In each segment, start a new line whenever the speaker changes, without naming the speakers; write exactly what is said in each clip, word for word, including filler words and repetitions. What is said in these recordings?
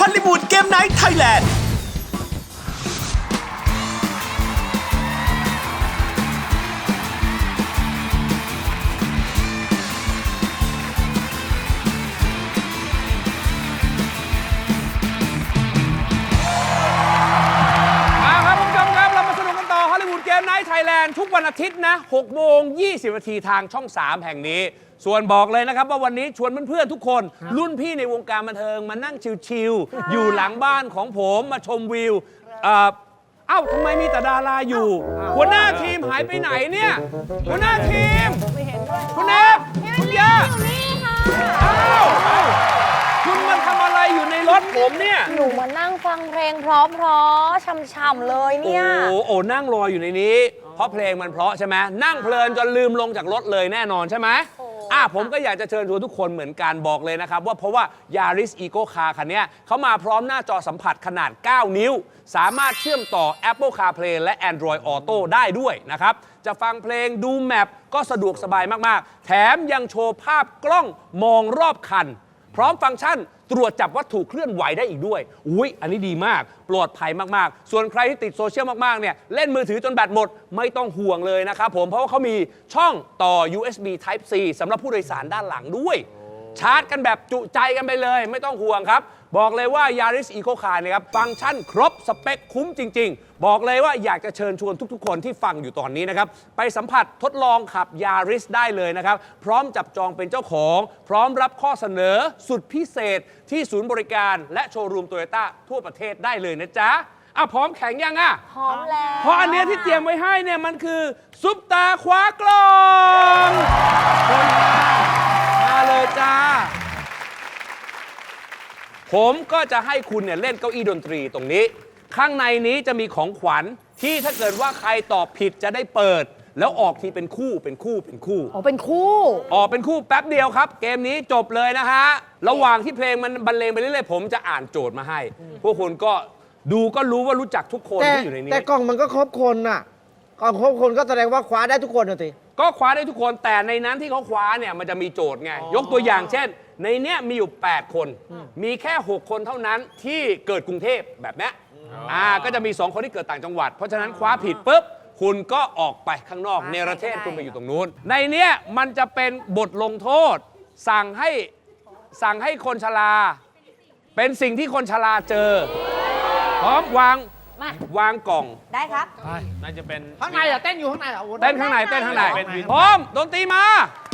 ลลีวูดเกมไนท์ไทยแลนด์
ไทยแลนด์ทุกวันอาทิตย์นะหกโมงยี่สิบนาทีทางช่องสามแห่งนี้ส่วนบอกเลยนะครับว่าวันนี้ชวนเพื่อนๆทุกคนรุ่นพี่ในวงการบันเทิงมานั่งชิลๆอยู่หลังบ้านของผมมาชมวิวเอ่อเอ้าทำไมมีแต่ดาราอยู่หัวหน้าทีมหายไปไหนเนี่ยหัวหน้าทีมคุณเอฟคุณย่าเอ้าคุณมาทำอะไรอยู่ในรถผมเนี่ย
หนูมานั่งฟังเพลงเพราะๆช่ำๆเลยเนี่ย
โอ้โหนั่งรออยู่ในนี้เพราะเพลงมันเพราะใช่ไหมนั่งเพลินจนลืมลงจากรถเลยแน่นอนใช่ไหมอ่ะผมก็อยากจะเชิญชวนทุกคนเหมือนกันบอกเลยนะครับว่าเพราะว่า Yaris Eco Car คันนี้เขามาพร้อมหน้าจอสัมผัสขนาดเก้านิ้วสามารถเชื่อมต่อ Apple CarPlay และ Android Auto ได้ด้วยนะครับจะฟังเพลงดูแมปก็สะดวกสบายมากๆแถมยังโชว์ภาพกล้องมองรอบคันพร้อมฟังก์ชันตรวจจับวัตถุเคลื่อนไหวได้อีกด้วยอุ้ยอันนี้ดีมากปลอดภัยมากๆส่วนใครที่ติดโซเชียลมากๆเนี่ยเล่นมือถือจนแบตหมดไม่ต้องห่วงเลยนะครับผมเพราะว่าเขามีช่องต่อ ยู เอส บี Type C สำหรับผู้โดยสารด้านหลังด้วยชาร์จกันแบบจุใจกันไปเลยไม่ต้องห่วงครับบอกเลยว่า Yaris Eco Car นะครับฟังก์ชันครบสเปคคุ้มจริงๆบอกเลยว่าอยากจะเชิญชวนทุกๆคนที่ฟังอยู่ตอนนี้นะครับไปสัมผัสทดลองขับ Yaris ได้เลยนะครับพร้อมจับจองเป็นเจ้าของพร้อมรับข้อเสนอสุดพิเศษที่ศูนย์บริการและโชว์รูมโตโยต้าทั่วประเทศได้เลยนะจ๊ะอ่ะพร้อมแข่งยังอ่ะ
พร้อมแล้ว
เพราะอันเนี้ยที่เตรียมไว้ให้เนี่ยมันคือซุปตาคว้ากล่องคนมามาเลยจ้าผมก็จะให้คุณเนี่ยเล่นเก้าอี้ดนตรีตรงนี้ข้างในนี้จะมีของขวัญที่ถ้าเกิดว่าใครตอบผิดจะได้เปิดแล้วออกทีเป็นคู่เป็นคู่เป็นคู่
อ๋อเป็นคู่
ออกเป็นคู่แป๊บเดียวครับเกมนี้จบเลยนะฮะระหว่างที่เพลงมันบรรเลงไปเรื่อยๆผมจะอ่านโจทย์มาให้พวกคุณก็ดูก็รู้ว่ารู้จักทุกคนที่อยู่ในนี้
แต่กล่องมันก็ครบคนน่ะกล่องครบคนก็แสดงว่าคว้าได้ทุกคนนะสิ
ก็คว้าได้ทุกคนแต่ในนั้นที่เขาคว้าเนี่ยมันจะมีโจทย์ไงยกตัวอย่างเช่นในเนี้ยมีอยู่แปดคนมีแค่หกคนเท่านั้นที่เกิดกรุงเทพแบบนี้อ่าก็จะมีสองคนที่เกิดต่างจังหวัดเพราะฉะนั้นคว้าผิดปุ๊บคุณก็ออกไปข้างนอกเนรเทศคุณไปอยู่ตรงนู้นในเนี้ยมันจะเป็นบทลงโทษสั่งให้สั่งให้คนชราเป็นสิ่งที่คนชราเจอพร้อมวางวางกล่อง
ได้ครับ
น่าจะเป็น
ข้างในเหรอเต้นอยู่ข้างในเหรอ
เต้นข้างในเต้นข้างในพร้อมดนตรีมา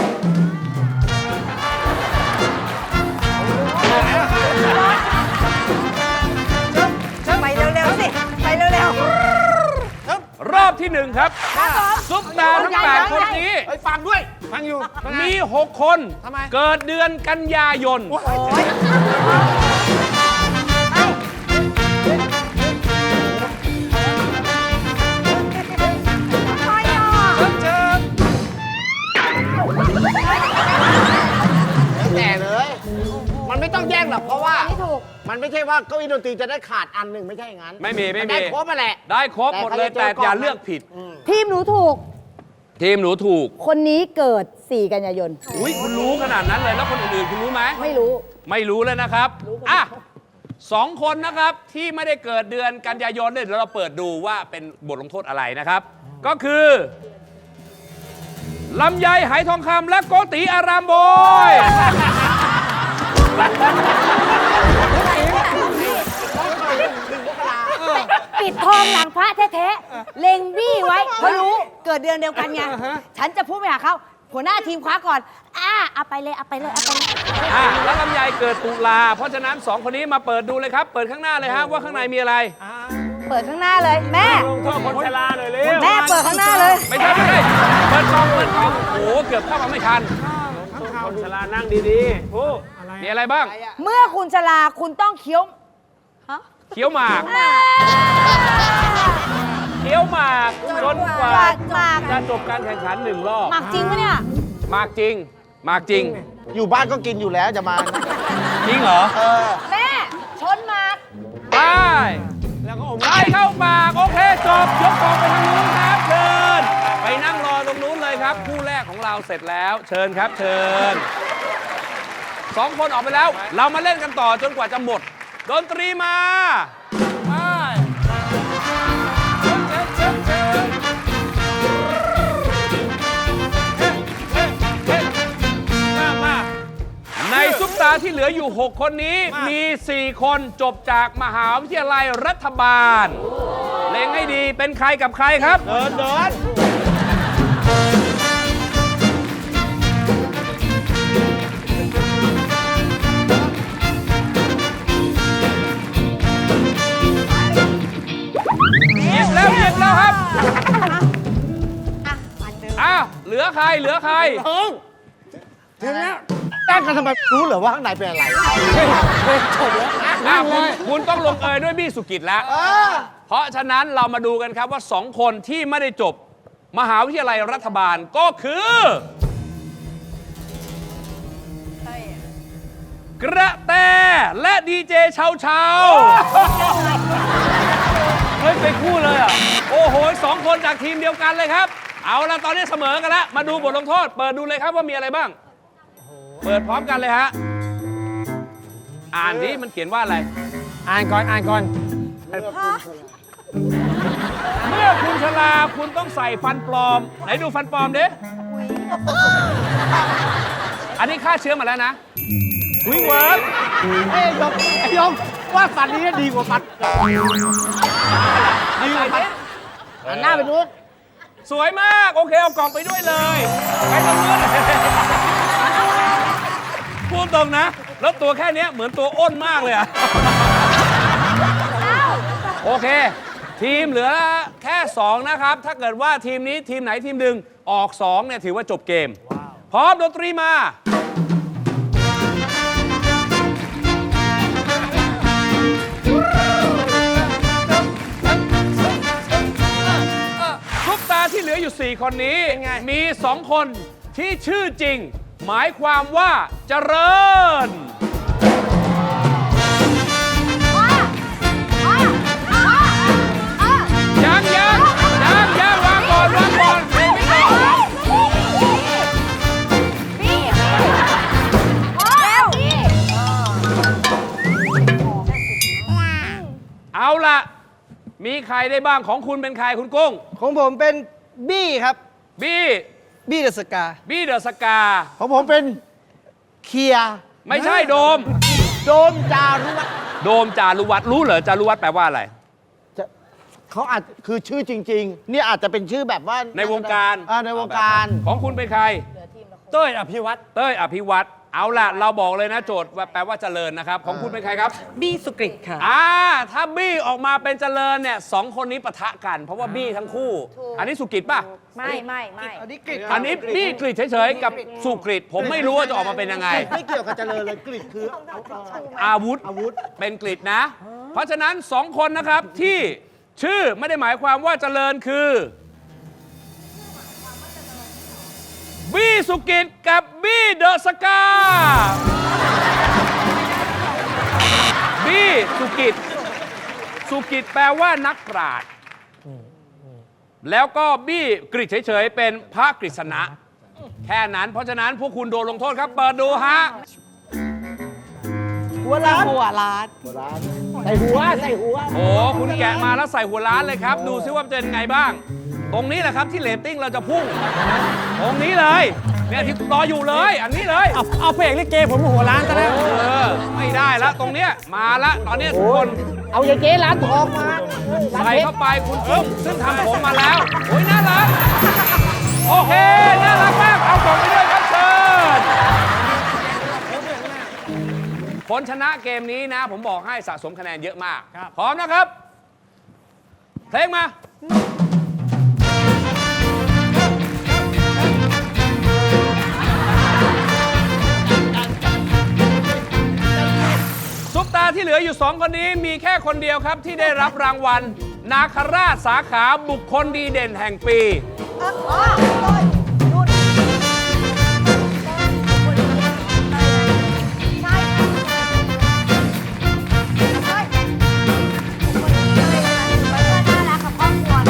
ไปเร็วๆสิไปเร็ว
ๆรอบที่หนึ่งครับซุปตาทั้งแปดคนนี้
ฟังด้วยฟังอยู่
มีหกคนเกิดเดือนกันยายน
แต่เลยมันไม่ต้องแย่งหรอกเพราะว่ามันไม่ใช่ว่าเก้าอี้ดนตรีจะได้ขาดอันหนึ่งไม่ใช่อย่างนั้น
ไม่มีไม่มี
ได้ครบมาแหละ
ได้ครบหมดเลยแต่อย่าเลือกผิด
ทีมหนูถูก
ทีมหนูถูก
คนนี้เกิดสี่กันยายน
อุ้ยคุณรู้ขนาดนั้นเลยแล้วคนอื่นๆคุณรู้ไหม
ไม่รู้
ไม่รู้เลยนะครับอ่ะสองคนนะครับที่ไม่ได้เกิดเดือนกันยายนเนี่ยเดี๋ยวเราเปิดดูว่าเป็นบทลงโทษอะไรนะครับก็คือลำไยไหทองคำและโกติอารามบอย
ปิดทองหลังพระแท้ๆเล็งบี้ไว้เพราะรู้เกิดเดือนเดียวกันไงฉันจะพูดไปหาเขาหัวหน้าทีมคว้าก่อนอ่าเอาไปเลยเอาไปเลยเอาไปเลย
อ่าแล้วลำไยเกิดตุลาเพราะฉะนั้นสองคนนี้มาเปิดดูเลยครับเปิดข้างหน้าเลยฮะว่าข้างในมีอะไร
เปิดข้างหน้าเลยแม่
ลงโทษคนชราเลยเลย
แม่เปิดข้างหน้าเลย
ไม่ใช่ไม่ใช่เปิดกล่องเปิดกล่องโอ้โหเกือบเข้ามาไม่ทันคนชรานั่งดีๆโอ้มีอะไรบ้าง
เมื่อคุณชราคุณต้องเคี้ยว
เคี้ยวหมากเคี้ยวหมากจนกว่าจะจบการแข่งขันหนึ่งรอบ
หมากจริงปะเนี่ย
หมากจริงหมากจริง
อยู่บ้านก็กินอยู่แล้วจะมา
จริงเหรอ
แม่ชนหมาก
ไปแล้วก็อมไล่เข้าหมากโอเคจบยกกองไปทางนู้นครับเชิญไปนั่งรอตรงนู้นเลยครับคู่แรกของเราเสร็จแล้วเชิญครับเชิญสองคนออกไปแล้วเรามาเล่นกันต่อจนกว่าจะหมดดนตรีมาไปเชิญเชิญเชิญเชิญเฮ้เฮ้เฮ้มามาในซุปตาที่เหลืออยู่ หก คนนี้มี สี่ คนจบจากมหาวิทยาลัยรัฐบาลเล็งให้ดีเป็นใครกับใครครับ
เดินเดิน
หยิบแล้วหยิบแล้วครับอ้าวเหลือใครเหลือใคร
ถึงถึงแล้วตั้งกันทำไมรู้เหรอว่าข้างในเป็นอะไร
อ้าวคุณคุณต้องลงเอยด้วยบี้สุกิจแล้ว เพราะฉะนั้นเรามาดูกันครับว่าสองคนที่ไม่ได้จบมหาวิทยาลัยรัฐบาลก็คือ กระแตและดีเจเชาเชาเฮ้ยไปคู่เลยอ่ะ โอ้โหสองคนจากทีมเดียวกันเลยครับ เอาละตอนนี้เสมอกันแล้ว มาดูบทลงโทษ เปิดดูเลยครับว่ามีอะไรบ้าง เปิดพร้อมกันเลยฮะ อ่านดิมันเขียนว่าอะไร
อ่านก่อนอ่านก่อน
เมื่อคุณชลาคุณต้องใส่ฟันปลอม ไหนดูฟันปลอมดิอันนี้ฆ่าเชื้อมาแล้วนะวิ่งเวิร์ก
ไอ้ยงไอ้ยงว่าฟันนี้ดีกว่าฟันดีกว่าฟันหันหน้าไปนู้น
สวยมาก โอเค เอากล่องไปด้วยเลยไปตรงนู้นพูดตรงนะ แล้วตัวแค่นี้เหมือนตัวอ้นมากเลยอะโอเค ทีมเหลือแค่สองนะครับ ถ้าเกิดว่าทีมนี้ทีมไหนทีมหนึ่งออกสองเนี่ยถือว่าจบเกม พร้อมดนตรีมา ซุปตาที่เหลืออยู่ สี่ คนนี้ มี สอง คนที่ชื่อจริง หมายความว่าเจริญ ยังยังยังยังวางก่อนวางก่อนไม่ต้องเอาล่ะ มีใครได้บ้างของคุณเป็นใครคุณกุ้ง
ของผมเป็นบี้ครับ
บี้
บี้เดอะสกา
บี้เดอะสกา
ของผมเป็นเคลียร์
ไม่ใช่โดม
โดมจารุวัฒน์
โดมจารุวัฒน์รู้เหรอจารุวัฒน์แปลว่าอะไร
จะเขาอาจคือชื่อจริง ๆ นี่อาจจะเป็นชื่อแบบว่า
ในวงการ
อ่าในวงการ
ของคุณเป็นใคร
เต้ยอภิวัตร
เต้ยอภิวัตรเอาล่ะ เราบอกเลยนะโจทย์ว่าแปลว่าเจริญนะครับ ของคุณเป็นใครครับ
บี้สุกริตค่ะ
อ่า ถ้าบี้ออกมาเป็นเจริญเนี่ยสองคนนี้ปะทะกัน เพราะว่าบี้ทั้งคู่ อันนี้สุกิตป่ะ
ไม่ไม่ไม่
อันนี้กริต
อันนี้บี้กริดเฉยๆ กับสุกริตผมไม่รู้ว่าจะออกมาเป็นยังไง
ไม่เกี่ยวกับเจริญเลยกริดคือเอาเอา
อาวุธ
อาวุธ
เป็นกริดนะ เพราะฉะนั้นสองคนนะครับที่ชื่อไม่ได้หมายความว่าเจริญคือบี้สุกิตกับบี้เดอะสกาบี้สุกิตสุกิตแปลว่านักปราชญ์แล้วก็บี้กริดเฉยๆเป็นพระกฤษณะแค่นั้นเพราะฉะนั้นพวกคุณโดนลงโทษครับเปิดดูฮะ
หัวล้านหัวล้าน
ใส่หัวใส่หัว
โอ้คุณแกะมาแล้วใส่หัวล้านเลยครับ ดูซิว่าเป็นไงบ้าง ตรงนี้แหละครับที่เรตติ้งเราจะพุ่ง ตรงนี้เลยเนี่ยที่รออยู่เลย อันนี้เลย
เอาเอาเพลงลิเกผมหัวล้านซะแล้ว
เออไม่ได้แล้วตรงเนี้ยมาละตอนเนี้ยทุกคน
เอาอย่างเจ๊ร้านทองมา
ใส่เข้าไปคุณกุ้งซึ่งทำผมมาแล้วโอ้ยน่ารักโอเคน่ารักมากเอาของไปด้วยครับเชิญคนชนะเกมนี้นะ ผมบอกให้สะสมคะแนนเยอะมากพร้อมนะครับ เพลงมาซุปตาที่เหลืออยู่สองคนนี้มีแค่คนเดียวครับที่ได้รับรางวัล นาคราชสาขาบุคคลดีเด่นแห่งปี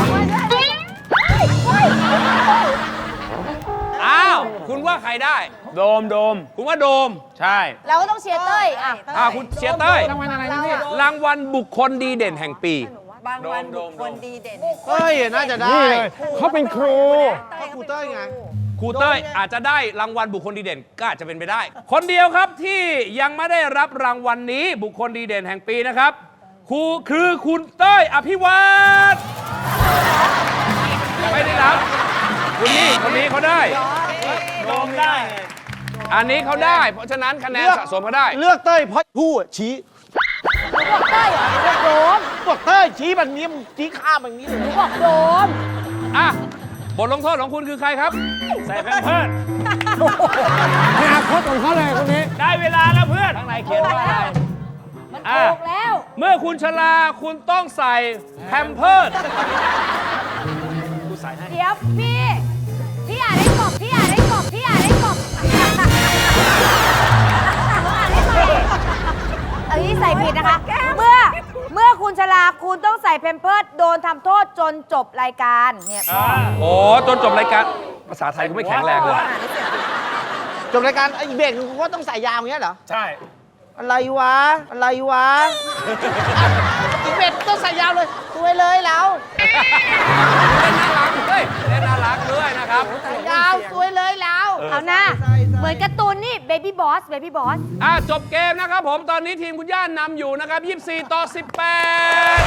อ้าว คุณว่าใครได้ ด
โดมโดม
คุณว่าโดม
ใช่
เราก็ต้องเชียร์เต้ยอ่ะ
อ่าคุณเชียร์เต้ย
รางวัลอะไรนะพี่
รางวัลบุคคลดีเด่นแห่งปี
บางวันบุคคลดีเด่น
เฮ้ย น่าจะได้
นี่เลยเขาเป็นครู
เพราะครูเต้ยไง
ครูเต้ยอาจจะได้รางวัลบุคคลดีเด่นก็อาจจะเป็นไปได้ คนเดียวครับที่ยังไม่ได้รับรางวัลนี้บุคคลดีเด่นแห่งปีนะครับครูคือคุณเต้ยอภิวัตรไม่ได้รับคุณนี่คนนี้เขาได้
โดมได้
อันนี้เขาได้ เพราะฉะนั้นคะแนน
เลือก
สะสมเขาได้
เลือกเต้ยเพราะผู้อะชี้
หนูบอกเต้ยเหรอหนูบอกโดม
บอกเต้ยชี้แบบนี้มึงชี้ข้ามแบบนี้เลย
หนูบอกโดม
อ่ะบทลงโทษของคุณคือใครครับ
ใส่แพมเพิร์ส
อนาคตของเขาเลยคนนี้
ได้เวลาแล้วเพื่อน
ข้างในเขียนว่าอะไร
มัน
อ่ะ
ถูกแล้ว
เมื่อคุณชราคุณต้องใส่แพมเพิร์ส
เดี๋ยวพี่ พี่อ่านได้กบพี่อ่านได้กบพี่อ่านได้กบเอ้ยใส่ผิดนะคะ เมื่อเมื่อคุณชลาคุณต้องใส่เพมเพิร์ดโดนทำโทษจนจบรายการเนี่ยพ่อ
โอ้จนจบรายการภาษาไทยกูไม่แข็งแรงเลย
จบรายการไอ้เบรกนึงกูก็ต้องใส่ยาวอย่างเงี้ยเหรอ
ใช่
อะไรวะ อะไรวะ อีกเบรกต้องใส่ยาวเลยสวยเลยเรา
เล่นน่ารักด้วยเล่นน่ารักด้วยนะครับ
ยาวสวยเลยเรา
เอาหน้าเหมือนการ์ตูนนี่เบบี้บอสเบบี้บอส
อ่ะจบเกมนะครับผมตอนนี้ทีมคุณย่านนำอยู่นะครับยี่สิบสี่ต่อสิบแปด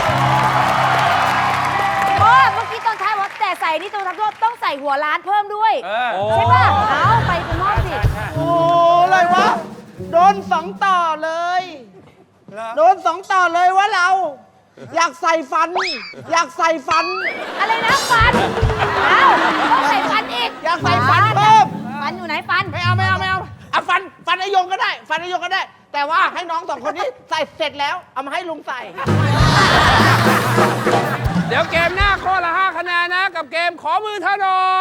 โอ้เมื่อกี้ตอนท้ายว่าแต่ใส่นี่ตัวทำโทษต้องใส่หัวล้านเพิ่มด้วย
เออ
ใช่ป่ะเอาไปคุณมอบสิ
โอ้อะไรวะ โดนสองต่อเลย โดนสองต่อเลยวะเรา อยากใส่ฟัน อยากใส่ฟัน
อะไรนะฟันเอาต้องใส่ฟันอีก
อยากใส่ฟันเพิ่ม
ฟันอยู่ไหนฟัน
ไม่เอาไม่เอาไม่เอาเอาฟันฟันไอยงก็ได้ ฟันไอยงก็ได้ แต่ว่าให้น้องสองคนนี้ใส่เสร็จแล้ว เอามาให้ลุงใส่
เดี๋ยวเกมหน้าข้อละห้าคะแนนนะกับเกมขอมือเธอหน่อย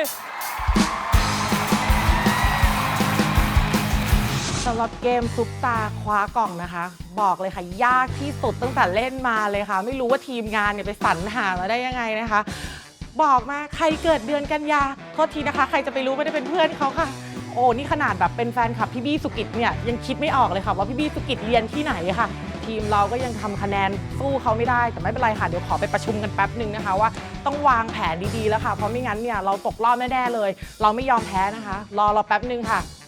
สำหรับเกมซุปตาคว้ากล่องนะคะ บอกเลยค่ะ ยากที่สุดตั้งแต่เล่นมาเลยค่ะ ไม่รู้ว่าทีมงานเนี่ยไปสรรหามาได้ยังไงนะคะ บอกมาใครเกิดเดือนกันยาโทษทีนะคะ ใครจะไปรู้ไม่ได้เป็นเพื่อนเขาค่ะ โอ้นี่ขนาดแบบเป็นแฟนคลับพี่บี้สุกิจเนี่ยยังคิดไม่ออกเลยค่ะว่าพี่บี้สุกิจเรียนที่ไหนค่ะ ทีมเราก็ยังทำคะแนนสู้เขาไม่ได้แต่ไม่เป็นไรค่ะเดี๋ยวขอไปประชุมกันแป๊บหนึ่งนะคะว่าต้องวางแผนดีๆแล้วค่ะเพราะไม่งั้นเนี่ยเราตกรอบแน่ๆเลย เราไม่ยอมแพ้นะคะ รอเราแป๊บหนึ่งค่ะ